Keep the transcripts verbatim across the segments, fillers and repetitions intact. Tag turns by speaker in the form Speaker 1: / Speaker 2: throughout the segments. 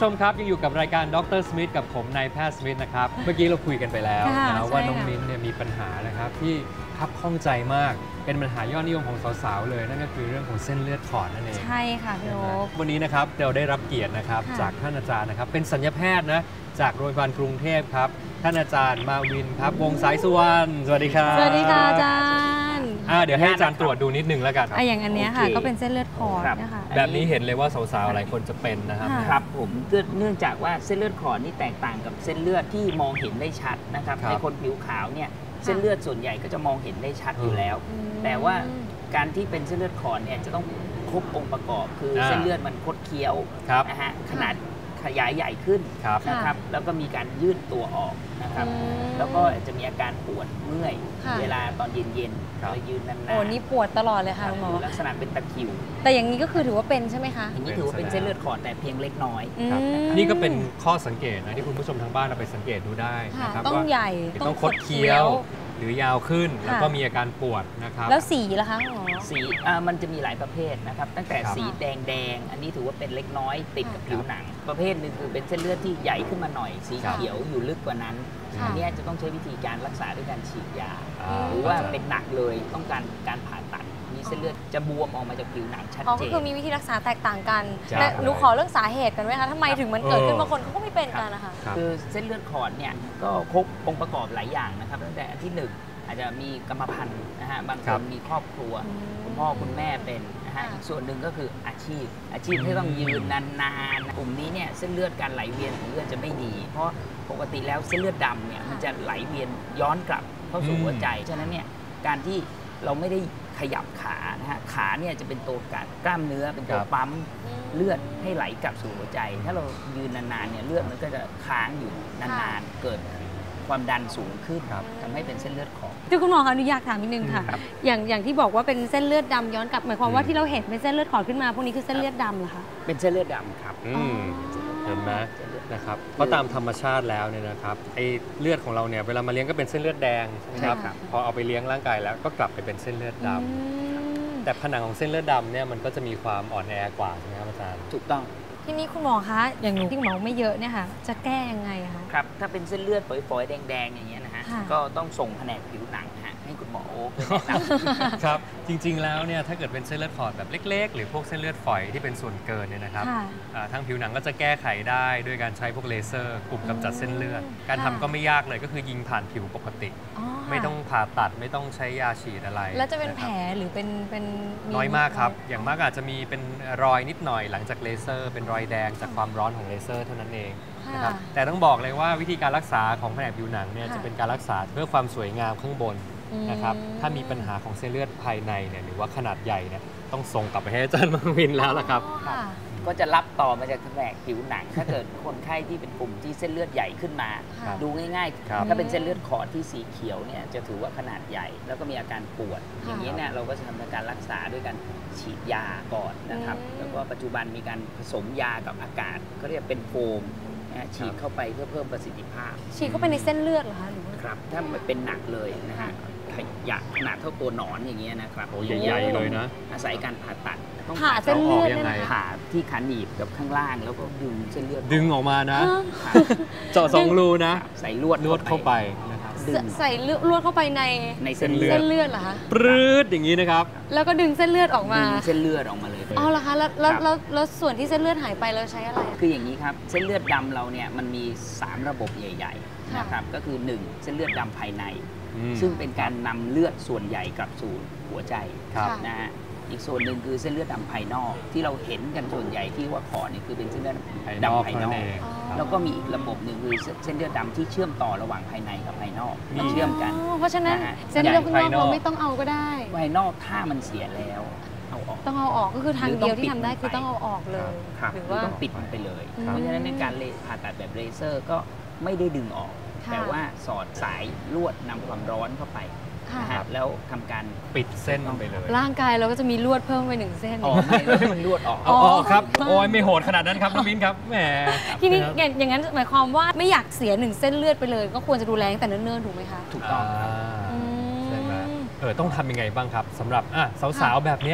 Speaker 1: ชมครับยังอยู่กับรายการดรสมิธกับผมนายแพทย์สมิธนะครับเมื่อกี้เราคุยกันไปแล้วนะว่าน้องมิ้นเนี่ยมีปัญหานะครับที่คับข้องใจมากเป็นปัญหายอดนิยมของสาวๆเลยนั่นก็คือเรื่องของเส้นเลือดขอดนั่นเอง
Speaker 2: ใช่ค่ะพี่โอ๊ค
Speaker 1: วันนี้นะครับเราได้รับเกียรตินะครับจากท่านอาจารย์นะครับเป็นศัลยแพทย์นะจากโรงพยาบาลกรุงเทพครับท่านอาจารย์มาวินครับวงสายสุวรรณสวัสดีครับ
Speaker 2: สวัสดีค่ะอาจารย์
Speaker 1: อ่าเดี๋ยวให้อาจารย์ตรวจดูนิดนึงแล้วกัน
Speaker 2: อ่ะอย่างอันนี้ค่ะก็เป็นเส้นเลือดขอดนะคะ
Speaker 1: แบบนี้เห็นเลยว่าสาวๆหลายคนจะเป็นนะครับ
Speaker 3: ครับผมเนื่องจากว่าเส้นเลือดขอดนี่แตกต่างกับเส้นเลือดที่มองเห็นได้ชัดนะครับในคนผิวขาวเนี่ยเส้นเลือดส่วนใหญ่ก็จะมองเห็นได้ชัดอยู่แล้วแต่ว่าการที่เป็นเส้นเลือดขอดเนี่ยจะต้องครบองค์ประกอบคือเส้นเลือดมันคดเคี้ยวนะฮะขนาดขยายใหญ่ขึ้นนะครับแล้วก็มีการยืดตัวออกนะครับแล้วก็จะมีอาการปวดเมื่อยเวลาตอนเย็นๆเรายืนนานๆ
Speaker 2: โอ้นี่ปวดตลอดเลยค่ะหมอ
Speaker 3: ลักษณะเป็นตะคริว
Speaker 2: แต่อย่างนี้ก็คือถือว่าเป็นใช่ไหมคะ
Speaker 3: อย่างนี้ถือว่าเป็นเส้นเลือดขอดแต่เพียงเล็กน้อย
Speaker 1: นี่ก็เป็นข้อสังเกตนะที่คุณผู้ชมทางบ้านเราไปสังเกตดูได้นะครับ
Speaker 2: ต้องใหญ่
Speaker 1: ต้องคดเคี้ยวหรือยาวขึ้นแล้วก็มีอาการปวดนะครับ
Speaker 2: แล้วสีล่ะคะหมอ
Speaker 3: สีอ่ามันจะมีหลายประเภทนะครับตั้งแต่สีแดงแดงอันนี้ถือว่าเป็นเล็กน้อยติดกับผิวหนังประเภทหนึ่งคือเป็นเส้นเลือดที่ใหญ่ขึ้นมาหน่อยสีเขียวอยู่ลึกกว่านั้นอันนี้จะต้องใช้วิธีการรักษาด้วยการฉีดยาหรือว่าเป็นหนักเลยต้องการการผ่าตัดมีเส้นเลือดจะบวมออกมาจากผิวหนังชัดเจน
Speaker 2: ก็คือมีวิธีรักษาแตกต่างกันแต่หนูขอเรื่องสาเหตุกันไหมคะทำไมถึงมันเกิดขึ้นบางคนเขาก็ไม่เป็นกันนะคะ
Speaker 3: คือเส้นเลือดขอดเนี่ยก็ครบองค์ประกอบหลายอย่างนะครับตั้งแต่อันที่หนึ่งอาจจะมีกรรมพันธุ์นะฮะบางคนมีครอบครัวคุณพ่อคุณแม่เป็นนะฮะอีกส่วนหนึ่งก็คืออาชีพอาชีพที่ต้องยืนนานๆกลุ่มนี้เนี่ยเส้นเลือดการไหลเวียนของเลือดจะไม่ดีเพราะปกติแล้วเส้นเลือดดำเนี่ยมันจะไหลเวียนย้อนกลับเข้าสู่หัวใจฉะนั้นเนี่ยการที่เราไม่ได้ขยับขานะฮะขาเนี่ยจะเป็นตัวกล้ามเนื้อเป็นตัวปั๊มเลือดให้ไหลกลับสู่หัวใจถ้าเรายืนนานๆเนี่ยเลือดมันก็จะค้างอยู่นานๆเกิดความดันสูงขึ้นทำให้เป็นเส้นเลือดขอด
Speaker 2: ที่คุณหมอคะอนุญาตถามนิดนึงค่ะอย่างอย่างที่บอกว่าเป็นเส้นเลือดดำย้อนกลับหมายความว่าที่เราเห็นเป็นเส้นเลือดขอดขึ้นมาพวกนี้คือเส้นเลือดดำเหรอคะ
Speaker 3: เป็นเส้นเลือดดำครับ
Speaker 1: เห็นไหมนะครับเพราะตามธรรมชาติแล้วเนี่ยนะครับไอเลือดของเราเนี่ยเวลามาเลี้ยงก็เป็นเส้นเลือดแดงใช่ครับพอเอาไปเลี้ยงร่างกายแล้วก็กลับไปเป็นเส้นเลือดดำแต่ผนังของเส้นเลือดดำเนี่ยมันก็จะมีความอ่อนแอกว่าใช่ไหมครับอาจารย์
Speaker 3: ถูกต้อง
Speaker 2: ทีนี้คุณหมอคะอย่างหนูที่หมอไม่เยอะเนี่ยค่ะจะแก้ยังไงคะ
Speaker 3: ครับถ้าเป็นเส้นเลือดฝอยๆแดงๆอย่างเงี้ยนะฮะก็ต้องส่งแผนกผิวหนังฮะให้คุณหมอโอ๊คแนะน
Speaker 1: ำครับจริงๆแล้วเนี่ยถ้าเกิดเป็นเส้นเลือดขอดแบบเล็กๆหรือพวกเส้นเลือดฝอยที่เป็นส่วนเกินเนี่ยนะครับทางผิวหนังก็จะแก้ไขได้ด้วยการใช้พวกเลเซอร์กลุ่มกำจัดเส้นเลือดการทำก็ไม่ยากเลยก็คือยิงผ่านผิวปกติไม่ต้องผ่าตัดไม่ต้องใช้ยาฉีดอะไร
Speaker 2: แล้วจะเป็นแผลหรือเป็นเป็น
Speaker 1: น้อยมากครับอย่างมากอาจจะมีเป็นรอยนิดหน่อยหลังจากเลเซอร์เป็นรอยแดงจากความร้อนของเลเซอร์เท่านั้นเองนะครับแต่ต้องบอกเลยว่าวิธีการรักษาของแผนกผิวหนังเนี่ยจะเป็นการรักษาเพื่อความสวยงามข้างบนนะครับถ้ามีปัญหาของเส้นเลือดภายในเนี่ยหรือว่าขนาดใหญ่เนี่ยต้องส่งกลับไปให้อาจารย์มังวินแล้วล่ะครับ
Speaker 3: ก็จะรับต่อมาจากแผนกผิวหนังถ้าเกิดคนไข้ที่เป็นกลุ่มที่เส้นเลือดใหญ่ขึ้นมาดูง่ายๆถ้าเป็นเส้นเลือดขอดที่สีเขียวเนี่ยจะถือว่าขนาดใหญ่แล้วก็มีอาการปวดอย่างนี้เนี่ยเราก็จะทำการรักษาด้วยการฉีดยาก่อนนะครับแล้วก็ปัจจุบันมีการผสมยากับอากาศเขาเรียกเป็นโฟมฉีดเข้าไปเพื่อเพิ่มประสิทธิภาพ
Speaker 2: ฉีดเข้าไปในเส้นเลือดเหรอคะหรือ
Speaker 3: ครับถ้ามันเป็นหนักเลยนะฮะอยากขนาดเท่าตัวหนอนอย่างเงี้ยนะครับ
Speaker 1: โอ้ใหญ่ๆเลยนะ
Speaker 3: อาศัยการผ่าตัด
Speaker 2: ต้องผ่าเส้นเลือดยังไง
Speaker 3: ผ่าที่ขาหนีบกับข้างล่างแล้วก็ดึงเส้นเลือด
Speaker 1: ดึงออกมานะเจาะสองรูนะ
Speaker 3: ใส่ลวด
Speaker 1: ลวดเข้าไปนะครับ
Speaker 2: ใส่ลวดเข้าไปใน
Speaker 3: ในเส้นเลือด
Speaker 2: เส้นเลือดเหรอคะ
Speaker 1: ปรื๊ดอย่างนี้นะครับ
Speaker 2: แล้วก็ดึงเส้นเลือดออกมา
Speaker 3: ดึงเส้นเลือดออกมาเลย
Speaker 2: อ๋อเหรอคะแล้วแล้วแล้วส่วนที่เส้นเลือดหายไปเราใช้อะไร
Speaker 3: คืออย่างนี้ครับเส้นเลือดดำเราเนี่ยมันมีสามระบบใหญ่ๆนะครับก็คือหนึ่งเส้นเลือดดำภายในซึ่งเป็นการนำเลือดส่วนใหญ่กลับสู่หัวใจนะฮะอีกส่วนหนึ่งคือเส้นเลือดดำภายนอกที่เราเห็นกันส่วนใหญ่ที่ว่าขอเนี่ยคือเป็นเส้นเลือดดำภายนอกแล้วก็มีอีกระบบหนึ่งคือเส้นเลือดดำที่เชื่อมต่อระหว่างภายในกับภายนอกมันเชื่อมกัน
Speaker 2: เพราะฉะนั้นเส้นเลือดภายนอกเราไม่ต้องเอาก็ได้
Speaker 3: ภายนอกถ้ามันเสียแล้วเอาออก
Speaker 2: ต้องเอาออกก็คือทางเดียวที่ทำได้คือต้องเอาออกเลย
Speaker 3: หรือว่าต้องปิดมันไปเลยเพราะฉะนั้นในการผ่าตัดแบบเลเซอร์ก็ไม่ได้ดึงออกแต่ว่าสอดสายลวดนำความร้อนเข้าไปนะครับแล้วทำการ
Speaker 1: ปิดเส้นไปเลย
Speaker 2: ร่างกายเราก็จะมีลวดเพิ่มไปหนึ่งเส้น
Speaker 3: อ๋อไม่มันลวดออก
Speaker 1: อ๋อครับโอ้ยไม่โหดขนาดนั้นครับน้องมิ้นครับแหม
Speaker 2: ทีนี้อย่างนั้นหมายความว่าไม่อยากเสียหนึ่งเส้นเลือดไปเลยก็ควรจะดูแลตั้งแต่เนิ่นๆถูกไหมคะ
Speaker 3: ถูกต้อง
Speaker 1: ใช่ไหมเออต้องทำยังไงบ้างครับสำหรับอ่ะสาวๆแบบเนี้ย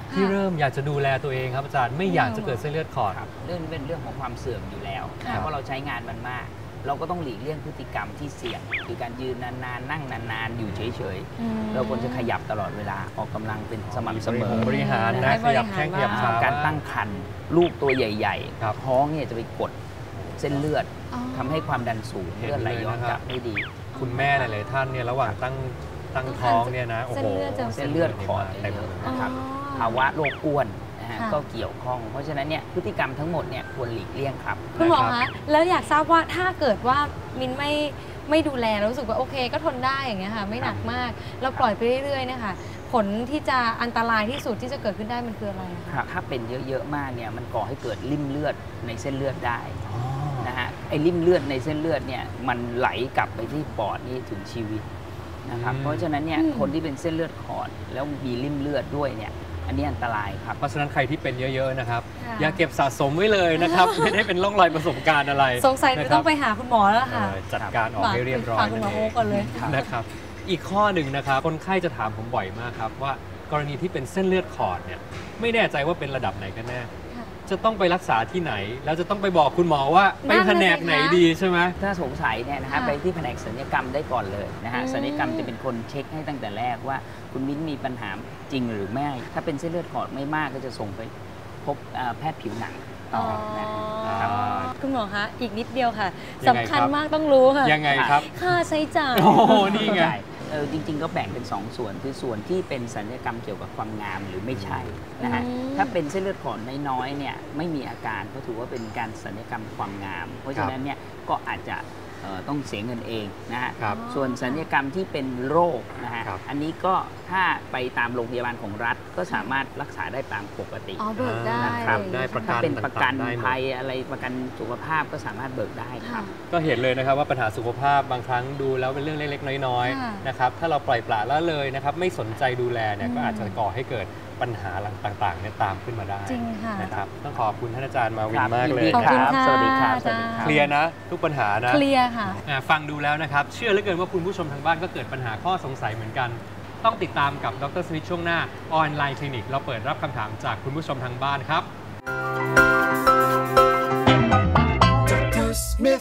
Speaker 1: ที่เริ่มอยากจะดูแลตัวเองครับอาจารย์ไม่อยากจะเกิดเส้นเลือดขอด
Speaker 3: ครับเรื่องเป็นเรื่องของความเสื่อมอยู่แล้วนะเพราะเราใช้งานมันมาก เราก็ต้องหลีกเลี่ยงพฤติกรรมที่เสี่ยงคือการยืนนานๆนั่งนานๆอยู่เฉยๆเราควรจะขยับตลอดเวลาออกกำลังเป็นสม่ำเสมอบ
Speaker 1: ริหารนะขยับแข้งขยับขา
Speaker 3: การตั้งครรภ์ลูกตัวใหญ่ๆท้องเนี่ยจะไปกดเส้นเลือดทำให้ความดันสูงเลือดไหลย้อนกลับไม่ดี
Speaker 1: คุณแม่หลายๆท่านเนี่ยระหว่างตั้งตั้งท้องเนี่ยนะโอ้โห
Speaker 3: เส้นเลือดขอดเต็มนะครับภาวะโรคอ้วนนะฮะก็เกี่ยวข้อง เพราะฉะนั้นเนี่ยพฤติกรรมทั้งหมดเนี่ยควรหลีกเลี่ยงครับ
Speaker 2: คุณหมอคะแล้วอยากทราบว่าถ้าเกิดว่ามินไม่ไม่ดูแลแล้วรู้สึกว่าโอเคก็ทนได้อย่างเงี้ยค่ะไม่หนักมากเราปล่อยไปเรื่อยๆเนี่ยค่ะผลที่จะอันตรายที่สุดที่จะเกิดขึ้นได้มันคืออะไรคะ
Speaker 3: ถ้าเป็นเยอะๆมากเนี่ยมันก่อให้เกิดริ่มเลือดในเส้นเลือดได้นะฮะไอ้ริ่มเลือดในเส้นเลือดเนี่ยมันไหลกลับไปที่ปอดนี่ถึงชีวิตนะครับเพราะฉะนั้นเนี่ยคนที่เป็นเส้นเลือดขอดแล้วมีริ่มเลือดด้วยเนี่ยอันนี้อันตรายครับ
Speaker 1: เพราะฉะนั้นใครที่เป็นเยอะๆนะครับอย่าเก็บสะสมไว้เลยนะครับ ไม่ได้เป็นร่องรอยประสบการณ์อะไร
Speaker 2: สงสัยต้องไปหาคุณหมอแล้วค่ะ
Speaker 1: จัดการออกให้เรียบร้อยนั่นเองนะครับอีกข้อหนึ่งนะครับคนไข้จะถามผมบ่อยมากครับว่ากรณีที่เป็นเส้นเลือดขอดเนี่ยไม่แน่ใจว่าเป็นระดับไหนกันแน่จะต้องไปรักษาที่ไหนแล้วจะต้องไปบอกคุณหมอว่าไปแผนกไหนดีใช่ไหม
Speaker 3: ถ้าสงสัยเนี่ยนะฮะไปที่แผนกศัลยกรรมได้ก่อนเลยนะฮะศัลยกรรมจะเป็นคนเช็คให้ตั้งแต่แรกว่าคุณมิ้นมีปัญหาจริงหรือไม่ถ้าเป็นเส้นเลือดขอดไม่มากก็จะส่งไปพบแพทย์ผิวหนังต่อนะครับ
Speaker 2: คุณหมอคะอีกนิดเดียวค่ะสำคัญมากต้องรู้ค่ะ
Speaker 1: ยังไงครับ
Speaker 2: ค่าใช้จ่าย
Speaker 1: โอ้โหนี่ไง
Speaker 3: เออจริงๆก็แบ่งเป็นสองส่วนคือส่วนที่เป็นศัลยกรรมเกี่ยวกับความงามหรือไม่ใช่นะฮะถ้าเป็นเส้นเลือดขอดน้อยๆเนี่ยไม่มีอาการก็ถือว่าเป็นการศัลยกรรมความงามเพราะฉะนั้นเนี่ยก็อาจจะต้องเสียเงินเองนะฮะส่วนศัลยกรรมที่เป็นโรคนะฮะอันนี้ก็ถ้าไปตามโรงพยาบาลของรัฐก็สามารถรักษาได้ตามปกติ
Speaker 2: อ๋อเบิกได้
Speaker 3: นะครับได้ประกันเป็นประกันภัยอะไรประกันสุขภาพก็สามารถเบิกได้ครับ
Speaker 1: ก็เห็นเลยนะครับว่าปัญหาสุขภาพบางครั้งดูแล้วเป็นเรื่องเล็กๆน้อยๆนะครับถ้าเราปล่อยปละละเลยนะครับไม่สนใจดูแลเนี่ยก็อาจจะก่อให้เกิดปัญหาต่างๆเนี่ยตามขึ้นมาได้นะครับต้องขอบคุณท่านอาจารย์มาวินมากเลย
Speaker 2: ครับ
Speaker 3: สวัสดีครับ
Speaker 1: เคลียร์นะทุกปัญหานะ
Speaker 2: เคลียร์ค่ะ
Speaker 1: ฟังดูแล้วนะครับเชื่อเหลือเกินว่าคุณผู้ชมทางบ้านก็เกิดปัญหาข้อสงสัยเหมือนกันต้องติดตามกับดร.สมิธช่วงหน้าออนไลน์คลินิกเราเปิดรับคำถามจากคุณผู้ชมทางบ้านครับ